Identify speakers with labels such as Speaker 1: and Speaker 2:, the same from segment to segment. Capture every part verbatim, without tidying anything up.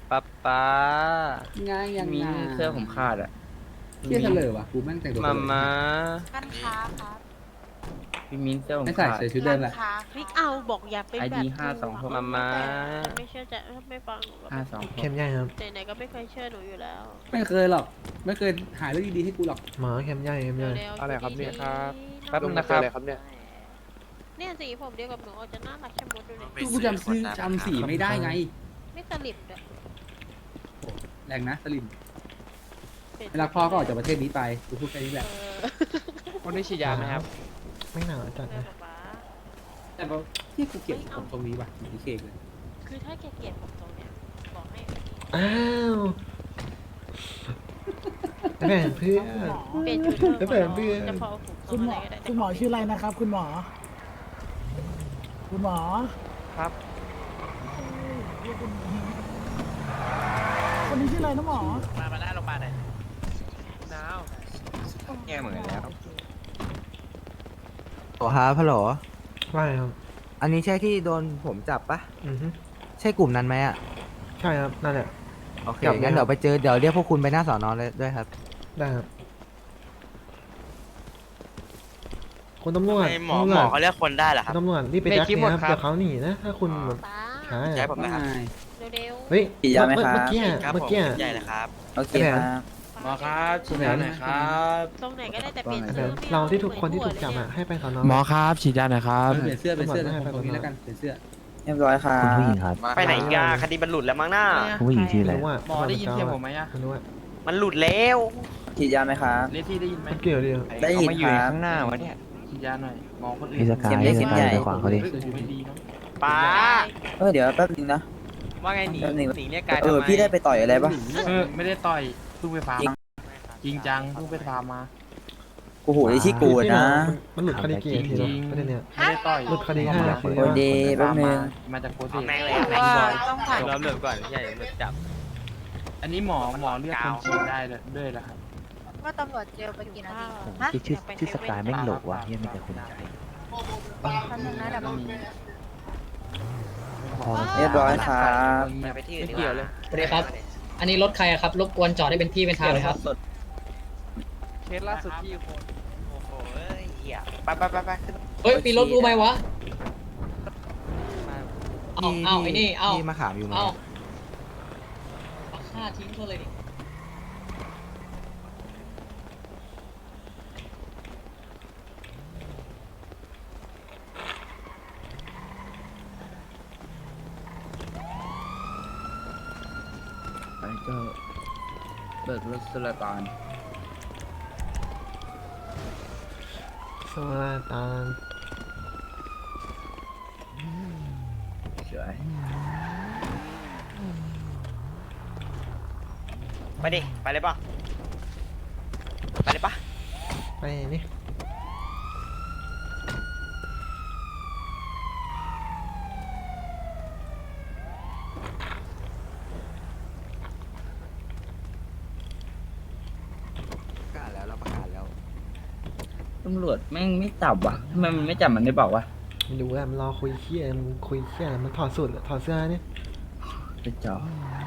Speaker 1: ป๊าป๊า
Speaker 2: ง่ายยัง
Speaker 1: มี
Speaker 2: ไง
Speaker 1: เสื้อผมขาดอ่ะ
Speaker 2: เที่ยเฉลยว่ะกูแม่งแต่งตัว
Speaker 1: มามา
Speaker 3: ร้านค้าครับ
Speaker 1: พี่มิ้นเสื้อผม
Speaker 2: ไม่ใส่
Speaker 1: ขาด
Speaker 2: ใส่ชุดเดิ
Speaker 3: ร้าม น
Speaker 2: แหละ
Speaker 3: ค้าพี่เอาบอกอย่าเป็น
Speaker 1: ไอ
Speaker 3: แบ
Speaker 1: ดี
Speaker 3: บ
Speaker 1: ห้าสองหก
Speaker 3: หนูะ
Speaker 1: มามา
Speaker 3: แต่ไม่เชื่อใจไม่ฟังหนูก็
Speaker 1: ห้า
Speaker 3: ไม่
Speaker 1: สองห
Speaker 4: เข้
Speaker 1: ก
Speaker 4: มใหญ่ครับ
Speaker 3: ไหนๆก็ไม่เคยเชื่อหนูอยู่แล้ว
Speaker 2: ไม่เคยหรอกไม่เคยหาเรื่องดีๆให้กูหรอก
Speaker 4: หมอเข้มใหญ่เข้มใหญ่
Speaker 3: เร็วๆ
Speaker 5: อะไรครับเนี่ย
Speaker 3: ดีๆ
Speaker 5: ครับ
Speaker 1: แป๊บนึงนะครับ
Speaker 5: อะไรครับเนี่ย
Speaker 3: เนี่ยสีผมเดียวกับหนูเอาจะน่ารักชะมุดดูเลย
Speaker 2: กูจำซื้อจำสีไม่ได้ไง
Speaker 3: ไม่สลิปด้วย
Speaker 2: โอ้แรงนะสลิม
Speaker 3: ปลี่ยน
Speaker 2: เวลาพ่อก็ออกจากประเทศนี้ไปกูพูดแค่นี้แหละ
Speaker 3: เออ
Speaker 5: วันนี้ฉีดยาไหมครับ
Speaker 4: ไม่หนาวจัด
Speaker 3: เออ
Speaker 4: นะ
Speaker 3: ป๊า
Speaker 2: แต่ว่าที่กูเก็บผมตรงนี้ว่ะเหมือนที่เคกเลย
Speaker 3: คือถ้าแกเกลียดผมตรงเนี้ยบอกให้
Speaker 4: อ้าวแบ่งเพื่อน
Speaker 3: เปลี่ยนชุดเถอะ
Speaker 4: แล้วแบบเบื่อ
Speaker 3: จะพอผม
Speaker 6: คุณหมอ
Speaker 3: ทำะไรก็ได้
Speaker 6: คุณหมอชื่ออะไรนะครับ คุณหมอ คุณหมอ
Speaker 5: ครับ
Speaker 6: คนนี้ชื่ออะไรนะหมอ
Speaker 5: มามาหน้าโรงพยาบาลหน่อยหนาว
Speaker 1: แง่เหมือนแล้ว
Speaker 7: โอ้ครับฮัลโหล
Speaker 4: ว่าไงครับ
Speaker 7: อันนี้ใช่ที่โดนผมจับปะ
Speaker 4: อือฮึ
Speaker 7: ใช่กลุ่มนั้นไหมอ่ะ
Speaker 4: ใช่ครับนั่นแหละ
Speaker 7: โอเค
Speaker 4: จับไหม
Speaker 7: งั้น
Speaker 4: ครับ
Speaker 7: เดี๋ยวไปเจอ เดี๋ยวเรียกพวกคุณไปหน้าสอนอเลยด้วยครับ
Speaker 4: ได้ครับคุณตำรวจ
Speaker 8: หมอ
Speaker 4: ตำร
Speaker 8: หม
Speaker 4: ว
Speaker 8: อ
Speaker 4: จ
Speaker 8: เขาเรียกคนได้เหรอครับ
Speaker 4: ตำรวจรีบไปแจ็คเลยครับเดี๋ยวเขาหนีนะถ้าคุณแบบ
Speaker 3: ป๊า
Speaker 4: ช้า
Speaker 8: ใช่
Speaker 4: อะ
Speaker 8: ผมนะครับ
Speaker 2: ไม่
Speaker 3: เร็ว
Speaker 4: เฮ้ย
Speaker 7: ฉีดยาไหมครับ
Speaker 4: เมื่อกี้อะ
Speaker 8: ครับ
Speaker 4: เมื่อ
Speaker 8: ผม
Speaker 4: กี้อะ
Speaker 8: ใหญ่เลยครับ
Speaker 7: โอเค
Speaker 4: ไอ้แผน
Speaker 7: ครับ
Speaker 3: ๆ
Speaker 1: หมอครับฉีดยาหน่อยครับ
Speaker 3: ตรงไหนก็ได้แต่เปลี่ยน
Speaker 4: ไอ้
Speaker 3: ชื่
Speaker 4: แผ
Speaker 3: อน ไม่
Speaker 4: เรา
Speaker 3: อ
Speaker 4: ที่ทุกคนที่ถูกจับ
Speaker 3: เหมื
Speaker 4: อะ
Speaker 3: อน
Speaker 4: ให้ไปสอนอ
Speaker 5: หมอครับฉีดยาหน่อยครับ
Speaker 2: เปลี่ยนเสื้อเป็นเสื้อ
Speaker 4: ตำรวจไม่ให้
Speaker 2: ตรงนี้
Speaker 4: ไป
Speaker 2: แล้วกันเปลี่ยนเสื้อ
Speaker 7: เรียบร้อยครับ
Speaker 9: คุณผู้หญิงครับ
Speaker 8: ไปไหนอีกอะคดีมันหลุดแล้วมั้งหน้า
Speaker 9: ผู้หญิงชื่ออะไร
Speaker 4: รู้ว่า
Speaker 1: หมอได้ยินเสียงผมไหมอะ
Speaker 4: ไม่รู้ว่า
Speaker 8: มันหลุดแล้ว
Speaker 7: ฉีดยาไหมครับ
Speaker 1: เลที่ได้ยินไหม
Speaker 4: มันเกี่ยวเดียว
Speaker 7: ได้ยิน
Speaker 1: เอามาอยู่
Speaker 7: ครับ
Speaker 1: ข้างหน้าวะเนี่ยฉีดยาหน่อยมองคนอื่น
Speaker 9: พี่สกาย
Speaker 7: เข็มเล็ก
Speaker 9: พี่
Speaker 7: เข็
Speaker 9: ส
Speaker 7: ม
Speaker 9: กา
Speaker 7: ใหญ่
Speaker 9: ยไปขวางเขาดิ
Speaker 1: เฮ้ยหูไม่ดีนะ
Speaker 8: ป้า
Speaker 7: เออเดี๋ยวแป๊บนึงนะ
Speaker 1: ว่าไงหนี
Speaker 7: แป๊บนึง
Speaker 1: หนีเรียกกาย
Speaker 7: เอ
Speaker 1: ทำ
Speaker 7: อ
Speaker 1: ไม
Speaker 7: พี่ได้ไปต่อยอะไรปะ
Speaker 5: เออไม่ได้ต่อยเพิ่งไปฟาร์ม
Speaker 7: จริง
Speaker 5: จริงจังเพิ่งไปฟาร์มมา
Speaker 7: โอ้โหไอ้ที่กูนะ
Speaker 4: มันหลุดคดีกี่นาทีแล้วประเด็นเนี้ย
Speaker 5: ไม่ได้ต่อย
Speaker 4: หลุดคดีห้านาที
Speaker 7: โอเดย์แป๊บนึง
Speaker 5: มาจากโคเซ
Speaker 8: เอาแม่งเลย
Speaker 3: เพราะว่าต้องผ่าน
Speaker 1: รอเริ่มก่อนใช่เริ่มจับ
Speaker 5: อันนี้หมอหมอเรียกคนฉีดได้เลยด้วยเหรอครับ
Speaker 3: ว่าตำรวจเจอไปกี่นาที
Speaker 9: ที่ชื่อชื่อสกายแม่งโหลกว่ะเฮียมีแต่คนใช้
Speaker 3: ทำหนึ่งนะเดี๋ยว
Speaker 9: พอ
Speaker 7: เรียบร้อยครับ
Speaker 8: อย่าไปที่อื่น
Speaker 1: ไม่
Speaker 8: ดี
Speaker 1: เกี่ยว
Speaker 8: ก
Speaker 1: เล
Speaker 8: ว่าย
Speaker 10: สวัสดีครับ อันนี้รถใครอะครับ รบกวนจอดให้เป็นที่เป็นทางเลยครับ
Speaker 1: เคสล่าสุดที่คน
Speaker 8: โอ้โหเอ้ยเหี้ยไปไปไปไปขึ้น
Speaker 10: เฮ้ย ปีรถกูไหมวะ
Speaker 1: มา
Speaker 10: เอาเอาไอ้นี่ เอา
Speaker 7: พี่มาขามอยู่ไหม
Speaker 10: เอาเอาฆ่าทิ้งเขาเลยดิ
Speaker 1: ไปก็เบิกรถสุลต่าน
Speaker 4: โซลาตาน
Speaker 1: สวย
Speaker 8: ไปดิ ไปเลยป่ะ ไปเลยป่ะ
Speaker 4: ไปนี่
Speaker 7: ประกาศแล้วเราประกาศแล้ว
Speaker 1: ตำรวจแม่งไม่จับว่ะทำไมมันไม่จับมันไม่บอกวะ
Speaker 4: ไม่รู้อะมันรอคุยเคี้ยมันคุยเคี้ยมันถอดสูตรถอดเสื้อเนี่ย
Speaker 1: ไปจอ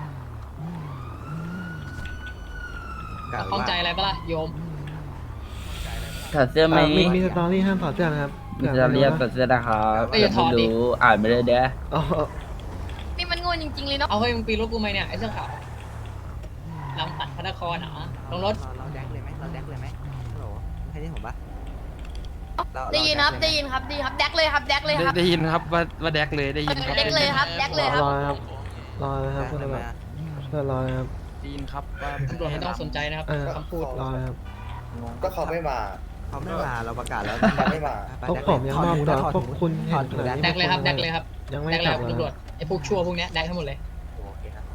Speaker 7: ประกาศ
Speaker 10: ข้องใจ
Speaker 7: ว่า
Speaker 10: อะไรปะล่ะ โยม
Speaker 1: ถอดเสื้อไหม
Speaker 4: เอ่อมีมีสตอรี่ห้ามถอดเสื้อนะครับ
Speaker 1: มีจะเรียกถอดเสื้อนะครับ
Speaker 10: เอ้ยอย่าถอดดิ
Speaker 1: ไม่รู้อ่านไม่ได้เด้อ
Speaker 4: อ๋อ
Speaker 3: นี่มันโง่จริงๆเลยเนาะ
Speaker 10: เอาเฮ้ยมึงปีรถกูไหมเนี่ย ไอ้เสื้อขาวลำตัดพระนครเหรอลงรถ
Speaker 7: เราเราแดกเลยไหมเราแดกเลยไหมฮัลโหลใครได้ผมปะเรา
Speaker 3: ได้ยินครับ
Speaker 7: เรา
Speaker 3: ได้ยินครับได้ยินครับแดกเลยครับแดกเลยครับ
Speaker 5: ได้ยินครับว่าว่าแดกเลยได้ยินครับ
Speaker 3: แดกเลยครับแดกเลยครับ
Speaker 4: รอนะครับรอนะครับ
Speaker 7: แดก
Speaker 4: เพื่อน
Speaker 7: เลยไหม
Speaker 4: แบบ
Speaker 7: อะ
Speaker 4: เพื่อนรอนะครับ
Speaker 5: ได้ยินครับว่า
Speaker 10: ตำรวจไม่ต้องสนใจนะครับ
Speaker 4: เออ
Speaker 10: คำพูด
Speaker 4: รอนะครับ
Speaker 11: ก็เขาไม่มา
Speaker 7: เขาไม่มาเราประกาศแล้ว
Speaker 11: เขาไม่มา
Speaker 4: พวกผมยังมอบตัวพวกคุณเห็นขนาด
Speaker 10: แด
Speaker 4: นี้
Speaker 10: กเลยครับ แดกเลยครับ
Speaker 4: ยังไม่
Speaker 10: แดกเลย
Speaker 4: กลั
Speaker 10: ครับ บ
Speaker 4: เลย
Speaker 10: ตำรวจ ไอ้พวกชั่วพวกเนี้ยแดกทั้งหมดเลย
Speaker 7: โอเคครับ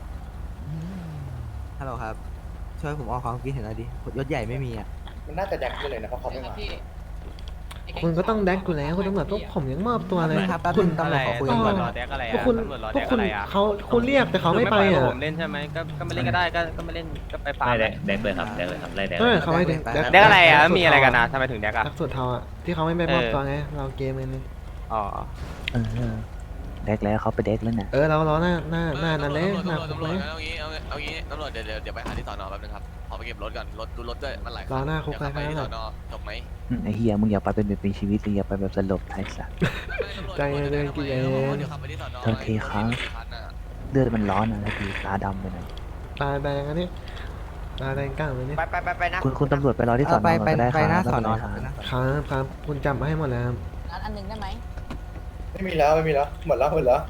Speaker 7: ฮัลโหลครับ ช่วยผมออกความคิดเห็นหน่อยดิยศใหญ่ไม่มีอ่ะ
Speaker 11: มันน่าจะแดกไปเลยนะเพราะเขาไม่
Speaker 10: ครับ
Speaker 11: มา
Speaker 10: พี่ไแ
Speaker 4: คุณก็ต้องแดกอยู่แล้วคุณตำรวจพวกผมยังมอบตัวเลย
Speaker 7: ครับแป๊บ
Speaker 4: คุ
Speaker 7: นึ
Speaker 4: ณ
Speaker 7: งตำรวจขอคุยกันก่อน
Speaker 1: รอแดกอะไร
Speaker 4: พวก
Speaker 1: อ่ะ
Speaker 4: คุณ
Speaker 1: ตำรวจรอ
Speaker 4: พ
Speaker 1: แด
Speaker 4: วก
Speaker 1: ก
Speaker 4: คุ
Speaker 1: อะ
Speaker 4: ณ
Speaker 1: ไรอ่ะ
Speaker 4: เขาคุณเรียกแต่เขาไม่ไป
Speaker 1: คือ
Speaker 4: อ่ะ
Speaker 1: ผมเล่นใช่ไหมก็ก็ไม่เล่นก็ได้ก็ก็ไม่เล่นก็ไปฟาร์ม
Speaker 9: แดกแดกเลยครับแดกเลยครับไล่แดก
Speaker 4: เออเขาไม่แดก
Speaker 1: แดกอะไรอ่ะมีอะไรกันนะทำไมถึงแดกอ่ะ
Speaker 4: แดกสุดเทาอ่ะที่เขาไม่ไปมอบตัวไงเราเกมเลยนี่
Speaker 1: อ๋อ
Speaker 9: เออแดกแล้วเขาไปแดกแล้วน่ะ
Speaker 4: เออเราเราหน้าหน้าหน้านั่นเลยหน้าคุก
Speaker 12: ตำร
Speaker 4: เล
Speaker 12: วจ
Speaker 4: ย
Speaker 12: เอางี้เอางี้เอางี้ตำรวจเดี๋ยวเดี๋ยวเดี๋ยวไปหาที่สอนอแป๊บนึงครับขอไปเก็บรถก่อนรถดูรถด้วยมันหลายคั
Speaker 4: รอหน้าคุก
Speaker 12: เดี๋ยวขับไป
Speaker 4: ไป
Speaker 12: ที่
Speaker 4: ค
Speaker 12: ส
Speaker 4: รั
Speaker 12: อบ นอจบไหม
Speaker 9: อืมไอ้เฮียมึงอย่าไปเป็นเป็นชีวิตเลยอย่าไปแบบสลบไอ้สัส
Speaker 4: ใจเย็นๆกินเอง
Speaker 12: เดี๋ยวขับไปที่สอนอ
Speaker 9: โอเคครับ เลือดมันร้อนอ่ะแล้วคือตาดำไปหน่อย
Speaker 4: ตาแดงอันนี้ตาแดงก้างเลยนี่
Speaker 8: ไปไปไปไปนะ
Speaker 9: คุณคุณตำรวจไปรอที่สอน
Speaker 7: ไป
Speaker 9: อ
Speaker 7: ไป
Speaker 9: ก็ได้
Speaker 7: ไปหน้า
Speaker 9: ครับ
Speaker 7: สอนอ
Speaker 9: ไม่
Speaker 7: ค
Speaker 9: เป็
Speaker 7: รับ
Speaker 9: นไร
Speaker 7: ไป
Speaker 9: ครับ
Speaker 7: หน้าสอนอ
Speaker 4: ครับครับคุณจำมาให้หมดแล้วครับ
Speaker 6: ร้านอันหนึ่งได้ไหม
Speaker 11: ไม่มีแล้วไม่มีแล้วหมดแล้วหมดแล้ว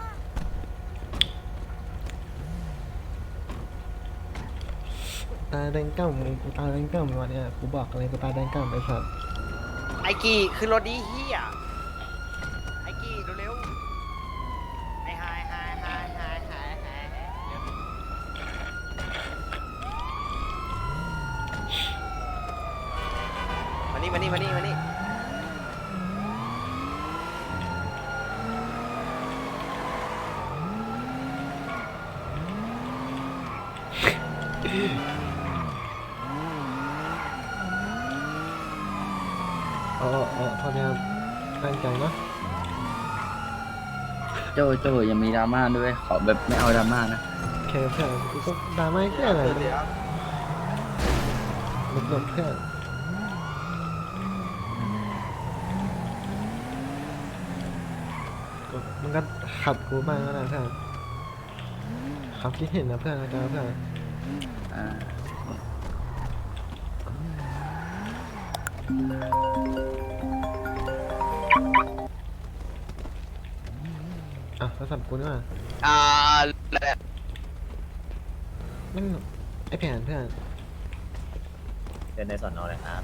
Speaker 4: ตาแดงก้างมึงกูตาแดงก้างมึงวันเนี้ยกูบอกอะไรกูตาแดงก้างไปสัตว์
Speaker 8: ไอ้กี่ขึ้นรถดีเฮียไอ้กี่เร็วๆไอ้ไฮไฮไฮไฮไฮไฮมานี่มานี่มานี่มานี่
Speaker 4: อ๋ออ๋อโทษนะครับตั้งใจเนาะ
Speaker 1: โจโจยังมีดราม่าด้วยขอแบบไม่เอาดราม่านะ
Speaker 4: โอเคเพื่อนกูก็ดราม่าแค่ไหนมันหลบๆเพื่อนก็มันก็ขับกูบ้างก็ได้เพื่อนขับคิดเห็นนะเพื่อนนะจ๊ะเพื่อน
Speaker 1: อ่า
Speaker 4: อ่ะโทรศัพท์กูนี่มา
Speaker 8: อ่า
Speaker 4: แม่งไอแผนเพื่อน
Speaker 9: เดินในสอนอเลยครับ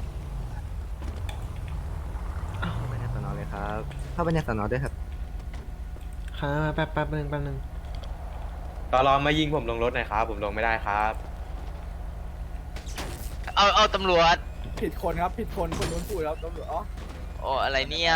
Speaker 7: เข้าไปในสอนอเลยครับ เข้าไปในสอนอด้วยครับ
Speaker 4: ค้าแป๊บแป๊บนึงแป๊บนึง
Speaker 5: ตอนรอมายิงผมลงรถหน่อยครับผมลงไม่ได้ครับ
Speaker 8: เอาเอาตำรวจ
Speaker 2: ผิดคนครับผิดคนคนนู้นพูดแล้วตำรวจอ๋อ
Speaker 8: โอ้อะไรเนี่ย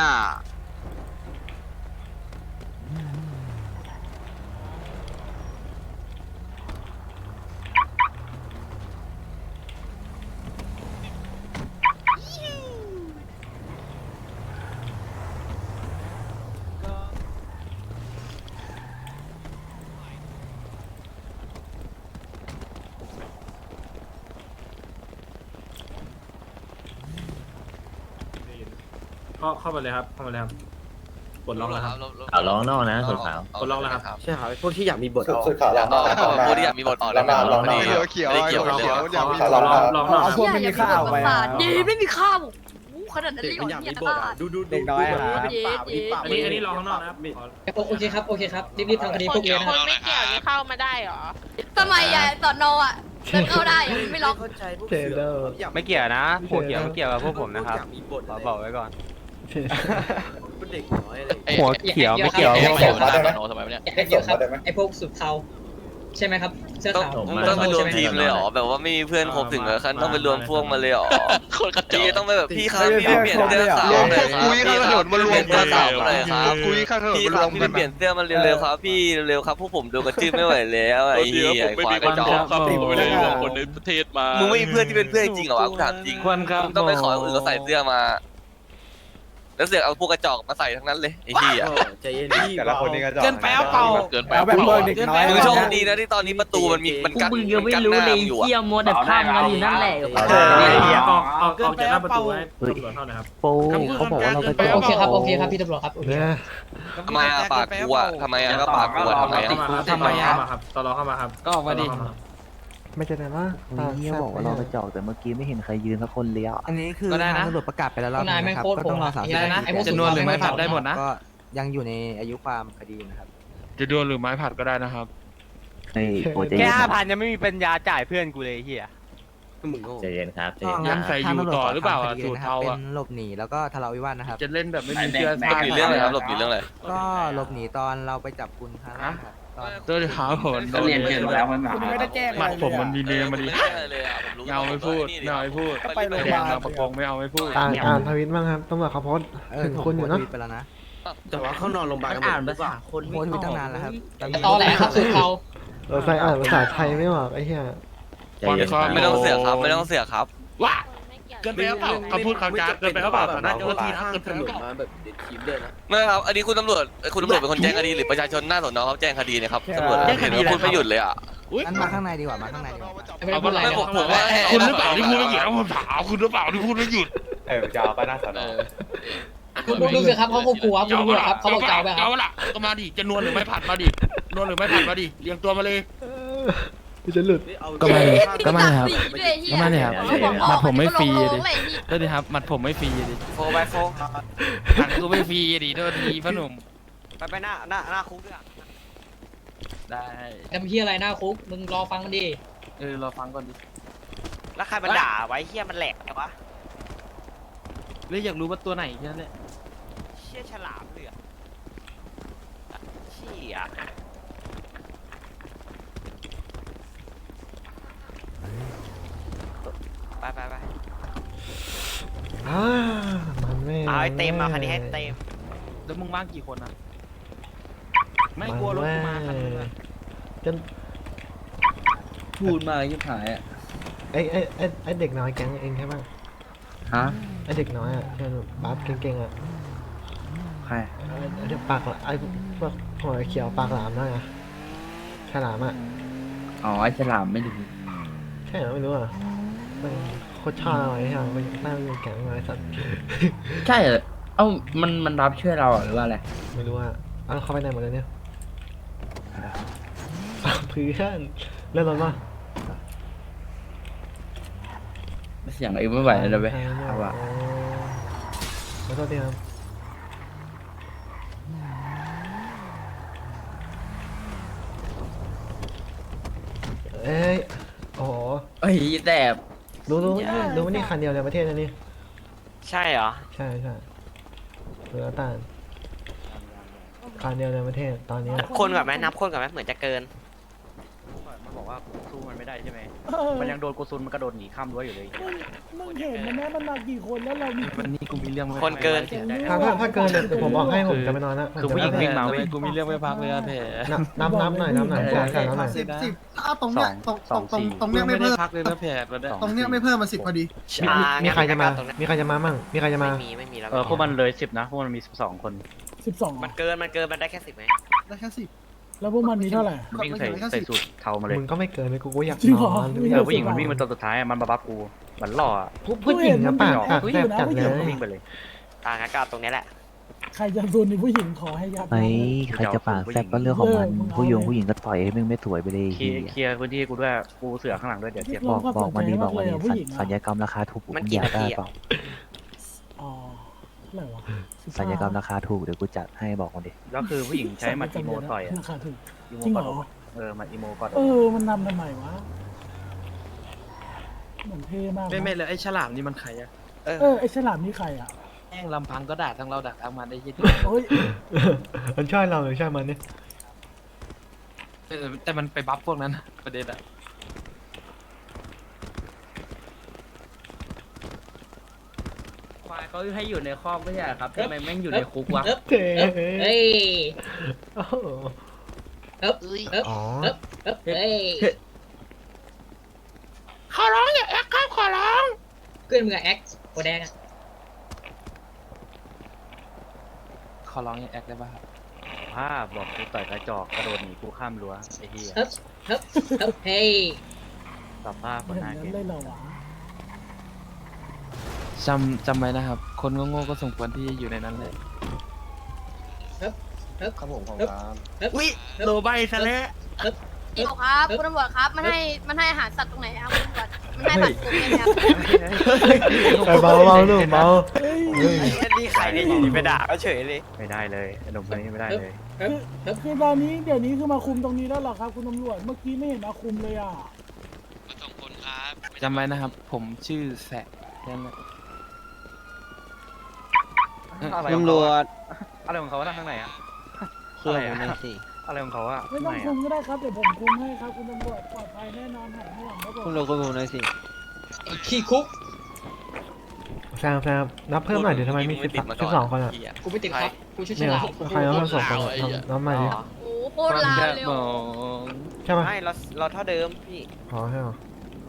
Speaker 2: เข้าเข้าไปเลยครับเข้าไปเลยครับปลดล็อกแล้วครับ
Speaker 9: ขาวร้องนอกนะสุดขาว
Speaker 2: ปลดล็อกแล้วครับ
Speaker 7: ใช่ครับพวกที่อยากมีบท
Speaker 11: สุดสุดขาวหลังมา
Speaker 12: พูดที่อยากมีบทออกแล้ว
Speaker 11: ลองลอง
Speaker 12: ไม่ได้เกี่ยวไม่ได้เกี่ยวกันเลย
Speaker 2: ขอลองลองลอง
Speaker 6: เอาพวกไม่มีข้าวไปอ่ะ
Speaker 3: ดีไม่มีข้าวขนาดนั้นเลยเหรอเนี่ยบ้า
Speaker 2: ดูดู
Speaker 6: เด็กน้อยครับ
Speaker 2: อันนี้อันนี้ลองข้างนอกนะครับ
Speaker 10: โอเคครับ โอเคครับ รีบๆทำคดีพวกเนี้ยนะ
Speaker 3: ค
Speaker 10: ครับ
Speaker 3: นไม่เกี่ยวนี่เข้ามาได้เหรอ
Speaker 13: ทำไมอ่ะสอนออ่ะเดินเข้าได้อ่ะไม่ล็อก
Speaker 7: เข้าใจพวก
Speaker 4: เจเดอร์
Speaker 5: ไม่เกี่ยวนะโหเกี่ยวไม่เกี่ยวกับพวกผมนะครับ
Speaker 7: มีบท
Speaker 5: ขอบอกไว้ก่อน
Speaker 7: เป็นเด็กน้อยเลย
Speaker 5: หัวเขียวไม่เกี่ยว
Speaker 11: ส่งมาได้ไหม
Speaker 12: ทำไมเนี่ย
Speaker 10: อยากได้เกี่ยวครับ ไอ้พวกสุดเทาใช่ไหมครับ เสื้อ
Speaker 12: ต้อง
Speaker 10: ขาว
Speaker 12: ต้องไปรวมทีมเลยเหรอแบบว่าไม่มีเพื่อนครบถึงกับขั้นต้องไปรวมพวกมาเลยเหรอคนกระจอกต้องไปแบบพี่ครับพี่เปลี่ยนเสื้อขาวหน่อยครับพี่ครับเปลี่ยนเสื้อขาวหน่อยครับพี่ครับพี่เปลี่ยนเสื้อมันเร็วๆครับพี่เร็วๆครับพวกผมดูกระจื้อไม่ไหวแล้วไอ้เหี้ยไอ้ควายกระจอก
Speaker 2: ครับผมไม่ได้บอกคน
Speaker 12: มึงไม่มีเพื่อนที่เป็นเพื่อนจริงเหรอวะกูถามจริง
Speaker 2: ควรครับ
Speaker 12: มึงต้องไปขอคนอื่นเขาใส่เสื้อมา แล้วเสือกเอาพวกกระจอกมาใส่ทั้งนั้นเลยไอ้เหี้ย
Speaker 7: ใจเย็น
Speaker 5: แต่ละคนนี่ก็จอ
Speaker 6: เกินไปเอาเปล่า
Speaker 12: เกินไป
Speaker 6: เอาแบบเบอร์เด็กน้อย
Speaker 12: มึงโชคดีนะที่ตอนนี้ประตูมันมีมัน
Speaker 1: พว
Speaker 12: กั้
Speaker 1: ก
Speaker 12: น
Speaker 1: มึงยังไม่รู้เลยเที่ยมดแต่ภาพกันอยู่นั่นแหละ
Speaker 2: ออกออกออกจากหน้าประตูให้ตำรวจเท่านะครับ
Speaker 9: โป้เขาบอกว่าเราไปจอ
Speaker 10: โอ
Speaker 9: ด
Speaker 10: เคครับ โอเคครับ พี่ตำรวจครับ โอเค
Speaker 4: เนี่ย
Speaker 12: ทำไมอะปากกูอะทำไมอะก็ปากกูอะทำไมอะ
Speaker 2: ทำไมเข้ามาครับตลอเข้ามาครับ
Speaker 1: ก็ออกมาดิ
Speaker 4: ไม่จะได้ว่า
Speaker 9: เฮ้ยเฮียบอกว่าเราไปจอกแต่เมื่อกี้ไม่เห็นใครยืนสักคนเลยอ่ะ
Speaker 7: อันนี้คือ
Speaker 1: ก็ได้นะ
Speaker 7: ทางตำรวจประกาศไปแล้วรอบ
Speaker 10: นาย
Speaker 7: นึง
Speaker 10: แม่ง
Speaker 7: นะครับ
Speaker 10: โคตร
Speaker 7: ก็ต้องรอ
Speaker 10: โหด
Speaker 7: สาม
Speaker 10: อะ
Speaker 7: สิบ
Speaker 10: ได้นะ
Speaker 7: นาที
Speaker 10: จะนวลหรือไม้ผัดได้หมดนะ
Speaker 7: ก็ยังอยู่ในอายุความคดีนะครับ
Speaker 5: จะดวลหรือไม้ผัดก็ได้นะครับ
Speaker 9: เฮ้ยโปรเจ
Speaker 5: แค่
Speaker 9: เย็น
Speaker 5: ห้า
Speaker 9: ค
Speaker 5: พั
Speaker 9: รับ
Speaker 5: นยังไม่มีปัญญาจ่ายเพื่อนกูเลยเฮีย
Speaker 7: มึงโง่
Speaker 9: ใจเย็นครับใจเย็น
Speaker 5: งั้นใส่อยู่ต่อหรือเปล่าอะ
Speaker 7: ทำคดี
Speaker 5: สูตรเทาอะ
Speaker 7: เป็นหลบหนีแล้วก็ทะเลาะวิวาทนะครับ
Speaker 5: จะเล่นแบบไม่มีเชื่อ
Speaker 12: หลบหนีเรื่องอะไรครับหลบหนีเรื่องอะไร
Speaker 7: ก็หลบหนีตอนเราไปจับคุณครั้งแรกครับตอน
Speaker 5: ตัวขาวผล
Speaker 1: ก็เรียนเกินแล้วมัน
Speaker 6: คุณไม่ได้แจ้ง
Speaker 5: หมัด
Speaker 6: อะไร
Speaker 5: ผม
Speaker 6: เลย
Speaker 5: มันมีเนมมาดิ
Speaker 12: ไม่ได้เลยอะผมรู้
Speaker 5: ไม่เอาไม่พูดไม่เอาไม่พูด
Speaker 6: ไปโรงพ
Speaker 5: แด
Speaker 6: ยาง บาล
Speaker 5: บางประกงไม่เอาไม่พูด
Speaker 4: อ่านอ่านทวิตบ้างครับตำรวจเขาโพสต์
Speaker 7: เออ
Speaker 4: ถึงคุณอยู่เนาะ
Speaker 7: ผมโพสต์ทวิตไปแล้วนะ
Speaker 8: แต่ว่าเขานอนโรงพยาบาลกันหม
Speaker 1: อ่าน
Speaker 8: ด
Speaker 1: ภาษาคน
Speaker 7: โพสต์ทวิตตั้งนานแล้วครับตอนนี้
Speaker 10: ตอแหลครับสุดเทา
Speaker 4: เราใส่อ่านภาษาไทยไม่ออกไอ้เหี้ย
Speaker 9: ใจเย็นครับ
Speaker 12: ไม่ต้องเสือกครับไม่ต้องเสือกครับ
Speaker 5: ว้า
Speaker 3: ไม่
Speaker 5: เกินไปหรือเปล่าคำพูดคำจาเกินไปหรือเปล่าต่อหน้าเจ้าหน้าที่นะเกินไปหรือเปล่า
Speaker 2: มาแบบเด็ดทีมด้วยนะ
Speaker 12: ไม่ครับอันนี้คุณตำรวจคุณตำรวจเป็นคนแจ้งคดีหรือประชาชนหน้าสอนอเขาแจ้งคดีเนี่ยครับตำรวจเห็นว่าคุณไม่หยุดเลยอ่ะ
Speaker 7: งั้นมาข้างในดีกว่ามาข้างในดีกว่า
Speaker 10: ไม่เป็นไร
Speaker 12: ไม่
Speaker 10: นะ
Speaker 12: ผมผมว่า
Speaker 5: คุณหรือเปล่าที่พูดไม่หยุดแล้วผมถามคุณหรือเปล่าที่พูดไม่หยุด
Speaker 11: เออจะเอาไปหน้าสอนอ
Speaker 10: คุณดูสิครับเขาควบคุมครับคุณดูครับเขาบอกจะเอาไปครั
Speaker 5: เอา
Speaker 10: บ
Speaker 5: ละก็มาดิจะนวลหรือไม่ผัดมาดินวลหรือไม่ผัดมาดิเรียงตัวมาเลย
Speaker 4: กูจะหลุด
Speaker 6: ก็มาเลยก็มาเลยครับ
Speaker 13: ก็มาเลยครับ
Speaker 6: มัดผมไม่ฟรี
Speaker 13: ดิ
Speaker 6: ดิก็ดีครับมัดผมไม่ฟรีดิ
Speaker 8: โฟไปโฟ
Speaker 5: ผัดกูไม่ฟรีดิโทษทีพ่อหนุ่ม
Speaker 8: ไปไปหน้าหน้าหน้าคุกด้วย
Speaker 6: ได้
Speaker 10: ทำเฮียอะไรหน้าคุกมึงรอฟังมันดิ
Speaker 6: เออรอฟังก่อนดิ
Speaker 8: แล้วใครมันด่าไว้เฮียมันแหลกไงวะ
Speaker 6: เลยอยากรู้ว่าตัวไหนแค่นั้นแหละ
Speaker 8: เชี่ยฉลามเลยอะเชี่ย ไปไปไป
Speaker 4: อ่ามันไม่
Speaker 8: เอาให้เต็มเอาคันนี้ให้เต็ม
Speaker 6: แล้วมึงว่างกี่คนอ่ะไม่กลัวรถกูมาคันนึงอะ
Speaker 4: จน
Speaker 1: พูดมายิ่งหายอ่ะ
Speaker 4: ไอ้ไอ้ไอ้ไอ้เด็กน้อยแก๊งเองใช่ป่ะ
Speaker 1: ฮะ
Speaker 4: ไอ้เด็กน้อยอ่ะที่มันบัฟเก่งๆอ่ะ
Speaker 1: ใคร
Speaker 4: ไอ้ไอ้เด็กปากละไอ้พวกหัวเขียวปากหลามนั่นไงฉลามอ่ะ
Speaker 1: อ๋อไอ้ฉลามไม่ดู
Speaker 4: ใช่เหรอไม่รู้อ่ะมันโคตรชอบเลยใช่ไหมมันน่าเป็นแก๊งเลยสัตว์
Speaker 1: ใช่เหรอเอ้ามันมันรับช่วยเราหรือว่าอะไร
Speaker 4: ไม่รู้อ่ะเอาเข้าไปไหนหมดเลยเนี่ยอ้าวเพื่อนเล่นรถป่ะ
Speaker 1: เสียงเองไม่ไหวแล้วเว้ยเอาอะ
Speaker 4: แล้วก็เตรียมเอ้ยโอ้โห
Speaker 1: เฮ้ยแต่
Speaker 4: รู้รู้รู้ว่านี่คันเดียวในประเทศนะนี่
Speaker 8: ใช่เหรอ
Speaker 4: ใช่ใช่เรือต้านคันเดียวในประเทศตอนนี้
Speaker 8: นับคนก่อนไหมนับคนก่อนไหมเหมือนจะเกิน
Speaker 6: มันบอกว่าสู้มันไม่ได้ใช่ไหมมันยังโดนกูซุนมันกระโดดหนีข้ามรั้วอยู่เลย
Speaker 2: มึงเห็นมันนะมันมากี่คนแล้วเรามี
Speaker 6: วันนี้กูมีเรื่องไม่
Speaker 8: คนเกิน
Speaker 4: ถ้าถ้าถ้าเกินเนี่ยเดี๋ยวผมบอกให้ผมจะไปนอนละ
Speaker 6: คือผู้หญิงวิ่งมาเว้ยกูมีเรื่องไม่พักเลยอะแผล
Speaker 4: นับนับหน่อยนับหน่อยใช่ใช่นับหน่อย
Speaker 6: สิบสิบถ้าตรงเนี้ยตรงตรงตรงตรงเนี้ยไม่เพิ่มพักเลยนะแผลตรงเนี้ยไม่เพิ่มมาสิบพอดี
Speaker 4: มีมีใครจะมา มีใครจะมามั่งมีใครจะมา
Speaker 8: ไม่มีไม่มีแล้ว
Speaker 6: เออพวกมันเลยสิบนะพวกมันมีสิบสองคน
Speaker 2: สิบสอง
Speaker 8: มันเกินมันเกินมันได้แค่สิบไหม
Speaker 2: ได้แค่สิบแล้วพวกมันมีเท่าไหร่
Speaker 6: วิ่งใส่ใส่สูทเทามาเลย
Speaker 4: มึงก็ไม่เกินเลยกูก็อยาก
Speaker 2: จริง
Speaker 4: น
Speaker 2: เหรอ
Speaker 4: อน
Speaker 6: เออผู้หญิงมันวิ่งมาตัวสุดท้ายมันมาบัฟกูเหมือนหล่อ
Speaker 4: ผู้ผู้หญิงนะปากปากแสบจัดเล
Speaker 6: เดี๋ยวก็
Speaker 4: ย
Speaker 6: วิ่งไปเลย
Speaker 8: อ่างั้นก็เอาตรงนี้แหละ
Speaker 2: ใครจะซูนในผู้หญิงขอให้ยับ
Speaker 9: เฮ้ยใครจะปากแซบก็เรื่องของมันผู้หญิงผู้หญิงก็ต่อยให้มึงไม่สวยไปเลย
Speaker 6: เคลียร์เคลียร์พื้นที่กูด้วยกูเสือข้างหลังด้วยเดี๋ยวเจ็บ
Speaker 9: บอกบอกมาดีบอกมาดีสัญญากรรมราคาถูก
Speaker 8: มัน
Speaker 9: มึง
Speaker 8: กี่
Speaker 9: อยาก
Speaker 8: นา
Speaker 9: ได้
Speaker 8: ที
Speaker 9: เป
Speaker 8: อะ
Speaker 9: ล่า
Speaker 2: อ๋อเท่าไหร่วะ
Speaker 9: สัญญากรรมราคาถูกเดี๋ยวกูจัดให้บอกมาดิ
Speaker 6: แล้วคือผู้หญิงใช้มัดอีโมต่อยอะ
Speaker 2: ราคาถูก
Speaker 6: อีโม
Speaker 2: จริง
Speaker 6: ก
Speaker 2: เหร
Speaker 6: อด
Speaker 2: อ
Speaker 6: อกเออมัดอีโมกอดอ
Speaker 2: เอก อมันนำทำไมวะเหมือนเท่มาก
Speaker 6: ไม่ไม่เลยไอ้ฉลามนี่มันใครอะ
Speaker 2: เออไอฉลามนี่ใครอ่ะ
Speaker 6: แม่งลำพังก็ด่าทั้งเราด่าทั้งมันได้ยิน
Speaker 2: โอ้ย
Speaker 4: มันช่วยเราหรือช่วยมันเนี่ย
Speaker 6: แต่มันไปบัฟพวกนั้นประเด็นอะควายเขาให้อยู่ในคอกไม่ใช่ครับทำไมแม่งอยู่ในคุกวะ
Speaker 10: เอ๊บ
Speaker 4: เท่
Speaker 10: เอ้ย
Speaker 4: โอ้โห
Speaker 10: เอ๊บเอ๊บ
Speaker 4: อ๋อ
Speaker 10: เอ๊บเอ๊บเอ้ย
Speaker 5: ขอร้องอย่าแอคครับขอร้อง
Speaker 10: เพื่อนมึงอะแอ็กซ์โคแดงอะ
Speaker 6: ขอร้องอย่าแอคได้ป่ะครับภาพบอกกูต่อยกระจอกกระโดดหนีกูข้ามรั้วไอ้เหี้ย
Speaker 10: เอ๊บเอ๊บเอ๊บเฮ้ย
Speaker 6: สภาพ
Speaker 2: อ
Speaker 6: คน
Speaker 2: ย่าง
Speaker 6: หน้า
Speaker 2: นั้
Speaker 6: เก
Speaker 2: นเลยเหรอวะ
Speaker 6: จำจำไว้นะครับ คนโง่ๆก็สมควรที่จะอยู่ในนั้นเลย
Speaker 11: ครับผมของครับ
Speaker 10: เอ๊บ
Speaker 5: อุ้ยโลใบซะแล้ว
Speaker 13: เดี๋ยวครับคุณตำรวจครับมันให้มันให้อาหารสัตว์ตรงไหนครับคุณตำรวจมันให้ผัดกลุ่มไหมครับ
Speaker 4: ไปเบาเบาหนุ่มเบาเฮ้ย
Speaker 8: นี่ใครเนี่ยอยู่ดีไปด่าก็เฉยเลย
Speaker 6: ไม่ได้เลยไอ้หนุ่มคนนี้ไม่ได้เลย
Speaker 2: คือตอนนี้เดี๋ยวนี้คือมาคุมตรงนี้แล้วเหรอครับ คุณตำรวจเมื่อกี้ไม่เห็นมาคุมเลยอ่ะ
Speaker 6: จำไว้นะครับ ผมชื่อแสะนั่นแหละ
Speaker 7: ตำรวจ
Speaker 6: อะไรของเขาอะข้างในอะ
Speaker 7: ช่วยผมหน่อยสิ
Speaker 6: อะไรของเขาอะ
Speaker 2: ไม่ต้องคุมก็ได้ครับเดี๋ยวผมคุมให้ครับคุณตำรวจปลอดภัยแน่นอนหายห่วงครับผม
Speaker 7: คุณตำรวจคุยผมหน่อยสิ
Speaker 10: ไอ้ขี้คุก
Speaker 4: แซมแซมนับเพิ่มหน่อยเดี๋ยวทำไมมีสิบสิบสองคนอ่ะ
Speaker 10: กูไม่ติดครับกูชื่อฉ
Speaker 4: เนี่ย
Speaker 10: ลาม
Speaker 4: ใครเอาเพิ่มสองคนอะนับใหม่ดิ
Speaker 13: โอ้โหโคตรลาวเลย
Speaker 6: ม
Speaker 13: ว่ะ
Speaker 6: อง
Speaker 4: ใช่ปะ
Speaker 8: ไม่เราเราเท่าเดิมพี่
Speaker 4: อ๋อใช่เหรอ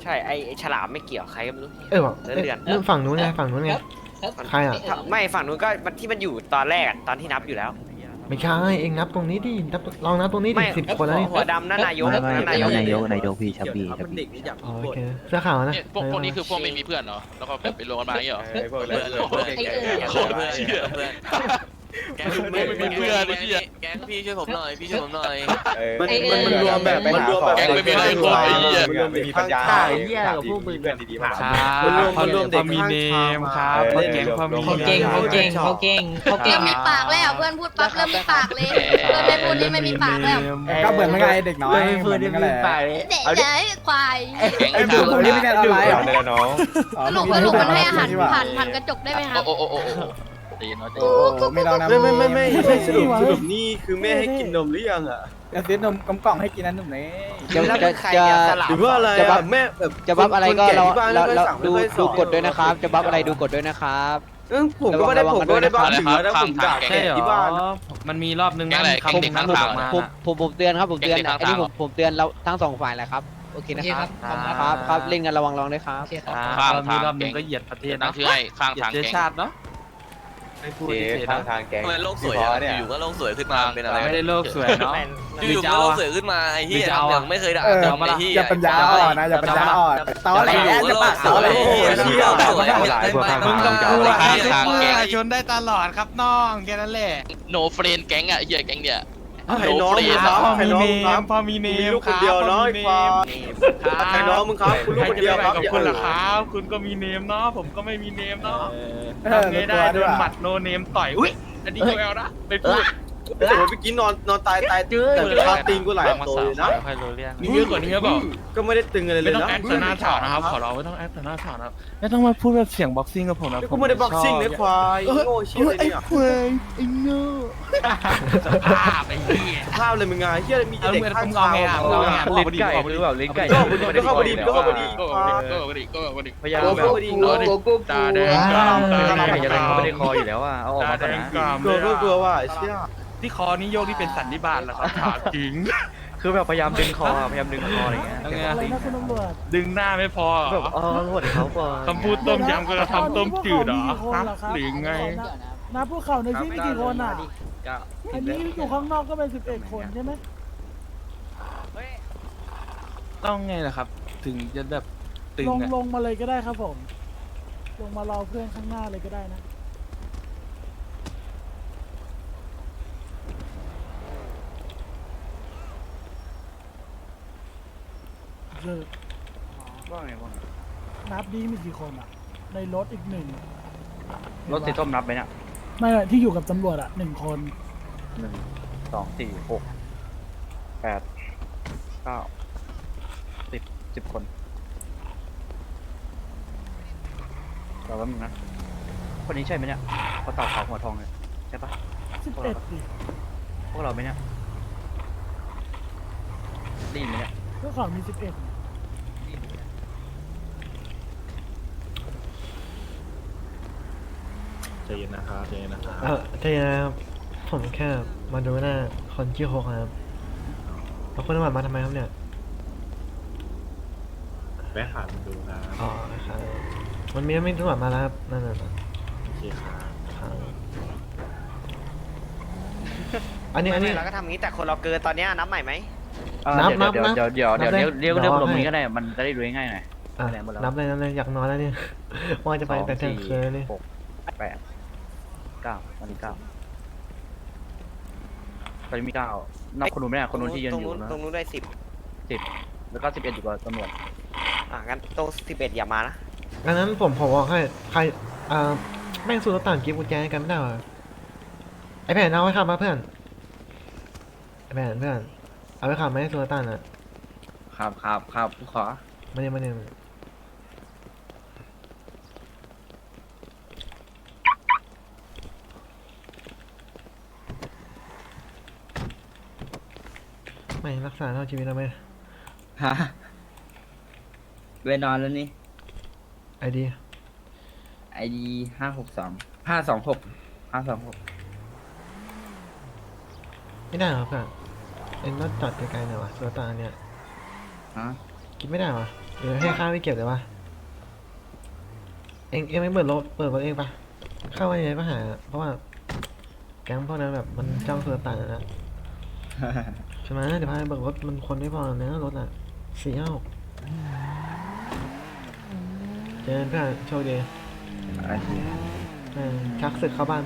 Speaker 8: ใช่ไอไอ้ฉลามไม่เกี่ยวใครก็ไม่รู้
Speaker 4: เออว่ะ
Speaker 8: เลื่อน
Speaker 4: เอ้ย
Speaker 8: เลื่อน
Speaker 4: เรื่องฝั่งนู้นไงฝั่งนู้นไง ใครอะ
Speaker 8: ไม่ฝั่งนู้นก็มันที่มันอยู่ตอนแรกอะตอนที่นับอยู่แล้ว
Speaker 4: ไม่ใช่เองนับตรงนี้ดินับลองนับตรงนี้ดิ
Speaker 8: ไม่
Speaker 4: สิบคนแล้วนี่
Speaker 8: หัวดำนั่นนายก
Speaker 9: ไม่ไม่
Speaker 8: นั่น
Speaker 9: นาน
Speaker 8: าย ย
Speaker 9: ก
Speaker 8: ก
Speaker 9: นายกนายกพี่ชับบี้ชับบี้
Speaker 4: อ๋อโอเคเสื้อขาวนะ
Speaker 6: เนี่ยพวกพวกนี้คือพวกไม่มีเพื่อนเหรอ แล้วก็แบบไปรวมกันมาอย่างเงี้ยเหรอ
Speaker 11: พวกเพื่อนเพื่อนแก
Speaker 6: โคตรเชี่ย
Speaker 12: เพื่อนแก
Speaker 6: ไม่มีเพื่อนไอ้เหี้ย
Speaker 12: แกพี่ช่วยผมหน่อยพี่ช่วยผมหน่อย
Speaker 11: มันมันมันรวมแบบมันรวมแบบ
Speaker 6: แกงไม่มีอะไรกว่าไอ้เหี้ย
Speaker 11: ไม่มีปัญญา
Speaker 1: ใช่เหี้ยกับพวกมึง
Speaker 11: เพื่อนดีๆมา
Speaker 5: มันรวมมันรวมเด็กมีเนมครับแก๊งพอมี
Speaker 10: เขาเก่งเขาเก่งเขาเก่งเขาเก่
Speaker 13: เริ่
Speaker 10: ง
Speaker 13: มมีปากแล้วเพื่อนพูดปั๊บเริ่มมีปากเลยเพื่อนไม่พูดนี่ไม่มีปากแล้ว
Speaker 2: ก็เหมือนไม่ไงเด็กน้อย
Speaker 1: เพื่อนที่มีปากเลย
Speaker 13: เด็กเด็กควาย
Speaker 6: แก๊ง
Speaker 2: ไอ้ดูตรงนี้ไม่ใช่อะไรหรอ
Speaker 11: ได้แล้วน้อง
Speaker 13: สรุปสรุปมันให้อาหารผ่านผ่านกระจกได้ไหมครับ
Speaker 6: โอ้โอ้โอ้โอ้ตีน้อยตี
Speaker 2: ไม่ลองนะ
Speaker 5: ไม่ไม่ไม่ไม่ใช่สรุปสรุป
Speaker 2: นี่คือแม่ให้กินนมหรือยังอ่ะจะซื้อนมกล่องให้กินนั้นหนุ่มเน่
Speaker 8: จะจะจะ
Speaker 5: หรือว่าอะไรอะแม่แบบ
Speaker 7: จะบัฟอะไรก็เราเราเราดู
Speaker 5: ดู
Speaker 7: ดูกดด้วยนะครับ จะบัฟอะไรดูกดด้วยนะครับ
Speaker 5: ผมก็ไม่ได้ผมก็ไม่ได้บ้าถึงแล้วผมด่า
Speaker 6: แก๊ง
Speaker 5: แค่ที่บ้าน
Speaker 11: มันมีรอบนึง
Speaker 6: แก๊งอะไรแก๊งเด็กข้างทาง
Speaker 7: ผมผมผมเตือนครับผมเตือน
Speaker 6: เด็กๆ
Speaker 7: อันนี้
Speaker 6: ข้างทาง
Speaker 7: ผมผมเตือนเราทั้งสองฝ่ายแหละครับโอเค
Speaker 10: โอ
Speaker 7: นะ
Speaker 10: เค
Speaker 7: ค
Speaker 10: ค
Speaker 7: รั
Speaker 10: รั
Speaker 7: บบ
Speaker 10: ขอบคุณ
Speaker 7: ค
Speaker 10: ค
Speaker 7: รั
Speaker 10: รั
Speaker 7: บบ ครับเล่นกันระวังระวังด้วยครับ
Speaker 10: โอเคครับ
Speaker 6: ข้าง
Speaker 11: มี
Speaker 6: ทาง
Speaker 11: รอบนึ
Speaker 6: แก๊
Speaker 11: ง
Speaker 6: ง
Speaker 11: ก็เหยียดประเทศ
Speaker 6: ตั้
Speaker 11: นะ
Speaker 6: งชื่อให้ข้างทาง
Speaker 11: เชื้อ
Speaker 6: แก๊ง
Speaker 11: ชาติเนาะไม่พูด
Speaker 14: เจ๊
Speaker 11: เฉยๆ
Speaker 14: ทาง
Speaker 11: นะ
Speaker 14: ทางแก๊ง
Speaker 12: ทำไมโลกสวยอะอยู่ๆก็โลกสวยขึ้นมาเป็นอะไร
Speaker 11: ไม่ได้โลกสวยเนาะ
Speaker 12: อยู่ๆก็โลกสวยขึ้นมาไอ้เหี้ยอย่างไม่เคยด่า
Speaker 2: เออ
Speaker 12: จำไอ้เหี้ย
Speaker 2: อย่าปัญญาอ่อนนะอย่าปัญญาอ่อนตอแหลจะปากตอแหล
Speaker 12: มึงต้องกูละ
Speaker 6: ทางแก๊ง
Speaker 5: ชนได้ตลอดครับน้องแค่นั้นแหละ
Speaker 6: โนเฟรนแก๊งอ่ะเหี้ยแก๊งเนี่ย
Speaker 5: ไอ้น้องครับพอมีเนมพอมีเนมลูกคนเดียวเนาะไอ้ควายไอ้น้องมึงครับคุณลูกคนเดียวครับกับคุณล่ะครับคุณก็มีเนมเนาะผมก็ไม่มีเนมเนาะทำไงได้โดนหมัดโนเนมต่อยอุ้ยอันนี้กูแอลนะไปพูดโอ้โหเมื่อกี้นอนนอนตายตายแต่คาตีนกูหลายตัวเลยนะ
Speaker 6: ค่อยรู้เรื่อง
Speaker 5: มีเยอะกว่านี้หรือเปล่าก็ไม่ได้ตึงอะไรเลยนะไม่ต้องแอคต่อหน้าฉากนะครับขอร้องไม่ต้องแอคต่อหน้าฉากนะครับไม่ต้องมาพูดแบบเสียงบ็อกซิ่งกับผมนะผมไม่ได้บ็อกซิ่งนะควายโง่เชี่ยเลยเนี่ยควายไอ้โง่ภาพไอ้เหี้ยภาพเลยมึงไงเหี้ยมีเด็กข้างทางเราเนี่ย
Speaker 11: ลิ้นไก่หรือเปล่าลิ้นไก่
Speaker 5: ก็ก็เข้าพอดีก็เข้าพอดี
Speaker 6: ก็ก็ก็ดีก็ก็ดี
Speaker 11: พยายาม
Speaker 5: ก็
Speaker 11: แบบ
Speaker 5: เข้าพอดีเนาะตาแดงกรามตา
Speaker 11: ไม่
Speaker 5: แด
Speaker 11: ได้
Speaker 5: ง
Speaker 11: จะ
Speaker 5: ก
Speaker 11: ได้
Speaker 5: ราม
Speaker 11: เขาไม่ได้คออยู่แล้วอ่ะเอาออก
Speaker 5: ตา
Speaker 11: มา
Speaker 5: แด
Speaker 11: ก่อน
Speaker 5: ง
Speaker 11: นะ
Speaker 5: กรามกลัวก็กลัวว่าเชี่ยที่คอนี่โยกที่เป็นสันนิบาตเหรอครับถามจริง
Speaker 11: คือแบบพยายามดึงคอพยายามดึงคออะไรเงี้ย
Speaker 2: อะไรนะคุณตำรวจ
Speaker 5: ดึงหน้าไม่พอ
Speaker 11: แบบอ๋อรวดเขาก่อน
Speaker 5: คำพูดต้มยำก็จะทำต้มจืดเหรอฮะหรือไง
Speaker 2: นะพวกเขาในที่มีกี่คนอ่ะอันนี้อยู่ข้างนอกก็เป็นสิบเอ็ดคนใช่ไหม
Speaker 5: ต้องไงล่ะครับ ถึงจะแบบตึง
Speaker 2: ลง
Speaker 5: อะ
Speaker 2: ลงมาเลยก็ได้ครับผม ลงมารอเพื่อนข้างหน้าเลยก็ได้นะเลิก
Speaker 11: ว่าไงว่าไง
Speaker 2: นับดีมีกี่คนอ่ะ ในรถอีกหนึ่ง
Speaker 11: รถสีส้มนับไหมเนี่ย
Speaker 2: ไม่ไม่ที่อยู่กับตำรวจอ่ะหนึ่งคน
Speaker 11: หนึ่งสองสี่หกแปดเก้าสิบสิบคนเราแป๊บนึงนะคนนี้ใช่ไหมเนี่ยเขาตาขาวหัวทองเลยใช่ปะ
Speaker 2: สิบเอ็ดดิ
Speaker 11: พวกเราไหมเนี่ยได้ยินไหมเนี่ย
Speaker 2: พวกเขามีสิบเอ็ด
Speaker 14: ใจเย็นนะครับใจเย็นนะครับ
Speaker 4: เออใจเย็นนะครับผมแค่มาดูหน้าคนที่หกครับแล้วคนตำรวจมาทำไมครับเนี่ย
Speaker 14: แม่ขาดมันดูนะ
Speaker 4: อ๋อครับมันมีไม่ตำรวจมาแล้วครับนั่นน่ะ
Speaker 14: โอเคครับ
Speaker 4: ครับอันนี้อันนี้
Speaker 8: เราก็ทำงี้แต่คนเราเกินตอนเนี้ยนับใหม่ไหม
Speaker 4: นับนับ
Speaker 11: เดี๋ยว
Speaker 4: นับ
Speaker 11: เดี๋ยวเดี๋ยวเดี๋ยว
Speaker 4: นับ
Speaker 11: เดี๋ยว
Speaker 4: ได้
Speaker 11: เรียกเรียก
Speaker 4: นับ
Speaker 11: รวม
Speaker 4: ให้
Speaker 11: นี้ก็ได้มันจะได้ดูง่ายๆหน่อย
Speaker 4: อ่ะ
Speaker 11: คะแนนหมดแล้ว
Speaker 4: นับเลยนับเลยอยากนอนแล้วเนี่ยว่าจะไปแต่เที่ยงคืนเลย
Speaker 11: หกแปดเก้าตอนนี้เก้าตอนนี้มีเก้านับคนนู้นไม่ได้คนนู้นที่ยืน
Speaker 8: ตรง
Speaker 11: อยู่
Speaker 8: นู้น
Speaker 11: นะ
Speaker 8: ตรงนู้นได้สิบ
Speaker 11: สิบแล้วก็สิบเอ็ดอยู่กับตำรวจ
Speaker 8: อ่ะงั้นตรงสิบเอ็ดอย่ามานะ
Speaker 4: อันนั้นผมผมบอกให้ใครอ่าแม่งสู้รถต่างกิฟต์กุญแจให้กันไม่ได้เหรอไอแผ่นเอาไว้ขับมาเพื่อนไอแผ่นเพื่อนเอาไว้ขับไหมสู้รถต่างอ่ะ
Speaker 1: ครับครับครับขอ
Speaker 4: มาเนี่ยมาเนี่ยไม่รักษาเท่าชีวิตเราไหม
Speaker 1: ฮะเวนอนแล้วนี่
Speaker 4: ไอดี
Speaker 1: ไอดีห้าหกสองห้าสองหกห้าสองหก
Speaker 4: ไม่ได้เหรอเพื่อนเอ็นต้องจอดไกลๆหน่อยวะรถต่างเนี่ย
Speaker 1: ฮะ
Speaker 4: คิดไม่ได้วะเดี๋ยวให้ข้าไปเก็บเลยปะเองเองไม่เปิดรถเปิดรถเองปะเข้ามาในปัญหาเพราะว่าแก๊งพวกนั้นแบบมันจ้องสุลต่านอะนะใช่ไหมเดี๋ยวพาไปเบิกรถมันคนไม่พอนะรถอ่ะสี่ห้าหกเจอกันเพื่อนโชคดี
Speaker 1: โอเค
Speaker 4: เออชักศึกเข้าบ้าน